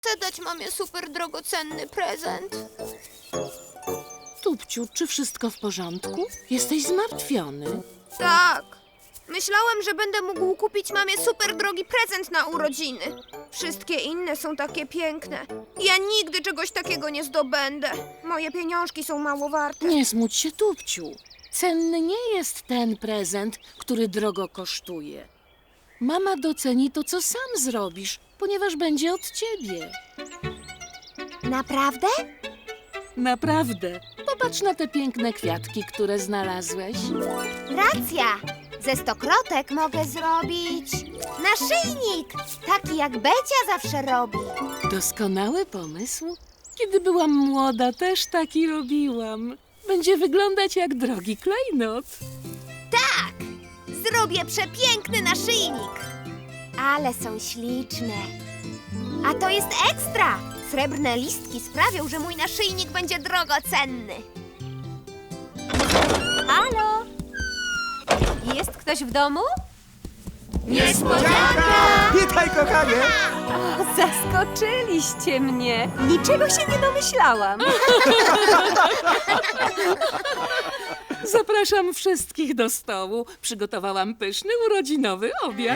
Chcę dać mamie super drogocenny prezent. Tupciu, czy wszystko w porządku? Jesteś zmartwiony. Tak. Myślałem, że będę mógł kupić mamie super drogi prezent na urodziny. Wszystkie inne są takie piękne. Ja nigdy czegoś takiego nie zdobędę. Moje pieniążki są mało warte. Nie smuć się, Tupciu. Cenny nie jest ten prezent, który drogo kosztuje. Mama doceni to, co sam zrobisz, ponieważ będzie od ciebie. Naprawdę? Naprawdę. Popatrz na te piękne kwiatki, które znalazłeś. Racja. Ze stokrotek mogę zrobić naszyjnik, taki jak Becia zawsze robi. Doskonały pomysł. Kiedy byłam młoda, też taki robiłam. Będzie wyglądać jak drogi klejnot. Tak, zrobię przepiękny naszyjnik. Ale są śliczne. A to jest ekstra. Srebrne listki sprawią, że mój naszyjnik będzie drogocenny. Halo? Jest ktoś w domu? Niespodzianka! Witaj, kochanie! O, zaskoczyliście mnie. Niczego się nie domyślałam. Zapraszam wszystkich do stołu. Przygotowałam pyszny urodzinowy obiad.